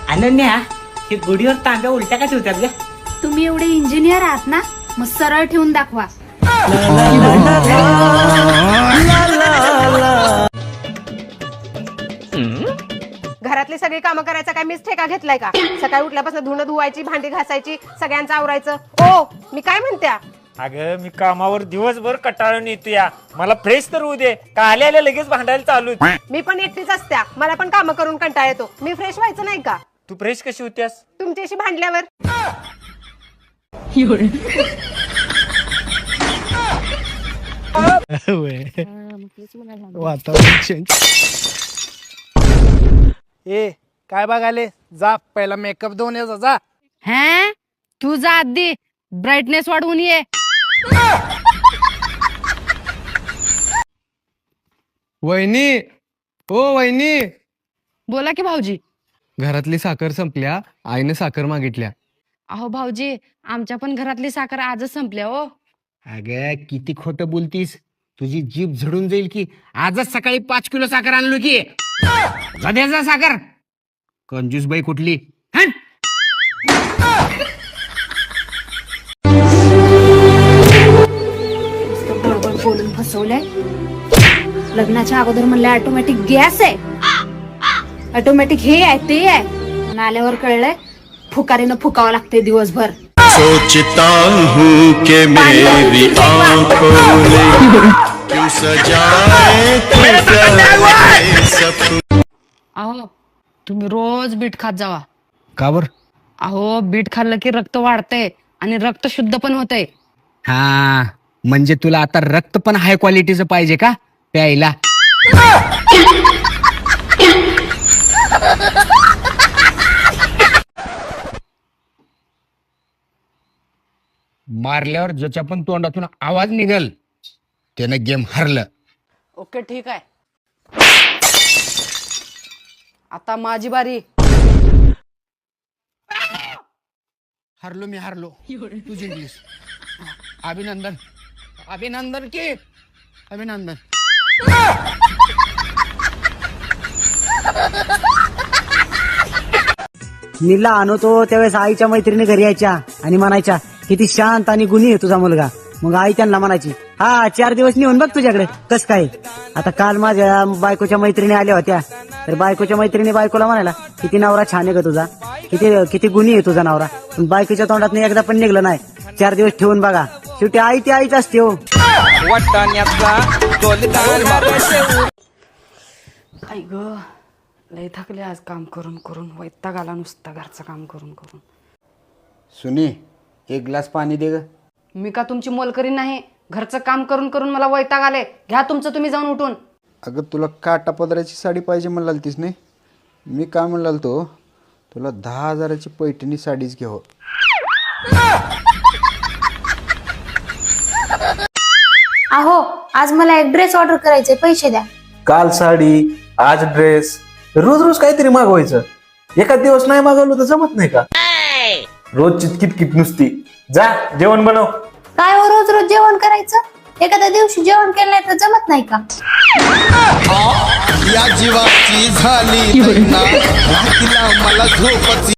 अनन्या हे गुढीवर तांब्या उलट्या का ठेवतात ग? तुम्ही एवढे इंजिनियर आहात ना, मग सरळ ठेवून दाखवा. घरातली सगळी कामं करायचा काय मीच ठेका घेतलाय का? सकाळी उठल्यापासून धुणं धुवायची, भांडी घासायची, सगळ्यांचं आवरायचं. ओ मी काय म्हणत्या, अगं मी कामावर दिवसभर कटाळून येतो या, मला फ्रेश तर होऊ दे. का आल्या आल्या लगेच भांडायला चालू. मी पण एकटीच असत्या, मला पण कामं करून कंटाळा येतो. मी फ्रेश व्हायचं नाही का तू फ्रेश कशी होत्यास? तुमच्याशी भांडल्यावर? वातावरण चेंज. ए काय बघाले, जा पहिला मेकअप देऊन ये जा. हे तू जा आधी, ब्राईटनेस वाढवून ये. वहिनी, ओ वहिनी, बोला की भाऊजी. घरातली साखर संपल्या, आईने साखर मागितल्या. अहो भाऊजी, आमच्या पण घरातली साखर आजच संपल्या हो. अगं किती खोटं बोलतीस, तुझी जीभ झडून जाईल की. आजच सकाळी 5 किलो साखर आणलो की. जा साखर, कंजूस बाई कुठली. हं? बरोबर बोलून फसवलंय. लग्नाच्या अगोदर म्हणलं ऑटोमॅटिक गॅस आहे, ऑटोमॅटिक हे आहे ते आहे, पण आल्यावर कळलंय फुकारीनं फुकावं लागते दिवसभर. सोचता हूँ कि मेरी आंखों में क्यों सजाए तू सपने. अहो तुम्ही रोज बीट खात जावा. का बर? अहो बीट खाल्लं की रक्त वाढतंय आणि रक्त शुद्ध पण होतंय. हा म्हणजे तुला आता रक्त पण हाय क्वालिटीचं पाहिजे का प्यायला? मारल्यावर ज्याच्या पण तोंडातून आवाज निघल त्यानं गेम हरलं. ओके ठीक आहे, आता माझी बारी. हरलो मी हरलो, तू जिंकलीस. अभिनंदन अभिनंदन की अभिनंदन. मी लहान होतो त्यावेळेस आईच्या मैत्रिणी घरी यायच्या आणि म्हणायच्या किती शांत आणि गुणी आहे तुझा मुलगा. मग आई त्यांना म्हणायची, हा 4 दिवस नेऊन बघ तुझ्याकडे कस काय. आता काल माझ्या बायकोच्या मैत्रिणी आल्या होत्या, तर बायकोच्या मैत्रिणी बायकोला म्हणायला किती नवरा छान आहे ग तुझा, किती किती गुणी आहे तुझा नवरा. पण बायकोच्या तोंडात एकदा पण निघलं नाही. 4 दिवस ठेवून बघा, शेवटी आई ती आईच असते हो. आई ग लय थकले आज काम करून करून, वैताग आला नुसता घरचं काम करून करून. सुनी 1 ग्लास पाणी दे ग. मी का तुमची मोलकरी नाही, घरचं काम करून करून मला वैताग आले. घ्या तुमचं तुम्ही जाऊन उठून. अगं तुला काटा पदराची साडी पाहिजे म्हणालतीस नाही, मी काय म्हणाल तो तुला 10,000ची पैठणी साडीच घ्याव. अहो आज मला एक ड्रेस ऑर्डर करायचे, पैसे द्या. काल साडी, आज ड्रेस, रोज रोज काहीतरी मागवायचं. एका दिवस नाही मागवलं तर जमत नाही का? रोज किटकिट नुसती. जा जेवण बनव. काय हो रोज रोज जेवण करायचं? एखाद्या दिवशी जेवण केलं नाही तर जमत नाही का? या जीवाची झाली मला झोपची.